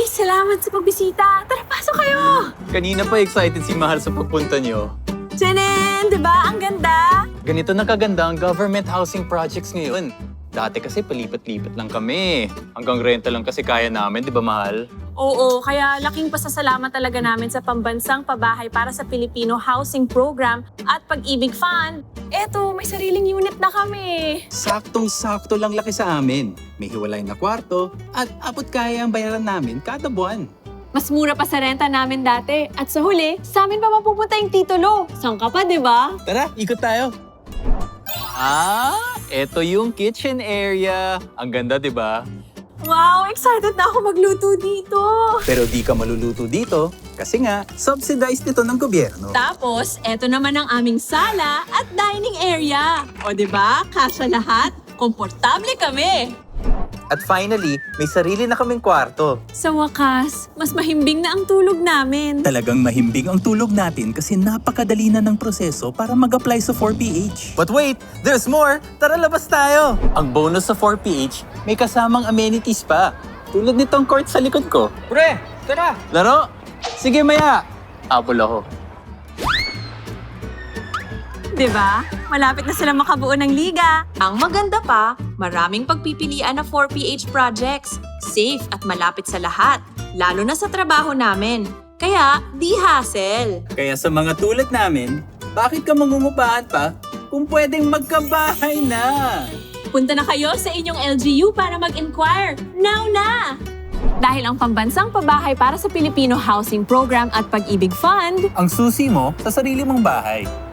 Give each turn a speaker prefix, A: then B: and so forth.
A: salamat sa pagbisita. Tara, pasok kayo!
B: Kanina pa excited si Mahal sa pagpunta niyo.
A: Jenen, di ba? Ang ganda!
B: Ganito na kaganda ang government housing projects ngayon. Dati kasi palipat-lipat lang kami. Hanggang renta lang kasi kaya namin, di ba Mahal?
A: Oo, kaya laking pasasalamat talaga namin sa Pambansang Pabahay para sa Pilipino Housing Program at Pag-ibig Fund. Eto, may sariling unit na kami.
C: Saktong-sakto lang laki sa amin. May hiwalay na kwarto at abot kaya ang bayaran namin kada buwan.
A: Mas mura pa sa renta namin dati. At sa huli, sa amin pa mapupunta yung titulo. Saan ka pa, di ba?
C: Tara, ikot tayo.
B: Eto yung kitchen area. Ang ganda, di ba?
A: Wow, excited na ako magluto dito.
C: Pero di ka maluluto dito kasi nga subsidized nito ng gobyerno.
A: Tapos, eto naman ang aming sala at dining area. O di ba? Kasya lahat. Komportable kami.
C: At finally, may sarili na kaming kwarto.
A: Sa wakas, mas mahimbing na ang tulog namin.
C: Talagang mahimbing ang tulog natin kasi napakadali na ng proseso para mag-apply sa 4PH. But wait, there's more! Tara, labas tayo!
B: Ang bonus sa 4PH, may kasamang amenities pa. Tulad nitong court sa likod ko.
C: Pre, tara!
B: Laro? Sige, Maya. Apple ako.
A: Diba? Malapit na sila makabuo ng liga. Ang maganda pa, maraming pagpipilian na 4PH projects. Safe at malapit sa lahat, lalo na sa trabaho namin. Kaya, di hassle.
C: Kaya sa mga tulad namin, bakit ka mangungupahan pa kung pwedeng magkabahay na?
A: Punta na kayo sa inyong LGU para mag-inquire. Now na! Dahil ang Pambansang Pabahay para sa Pilipino Housing Program at Pag-ibig Fund,
C: Ang susi mo sa sarili mong bahay.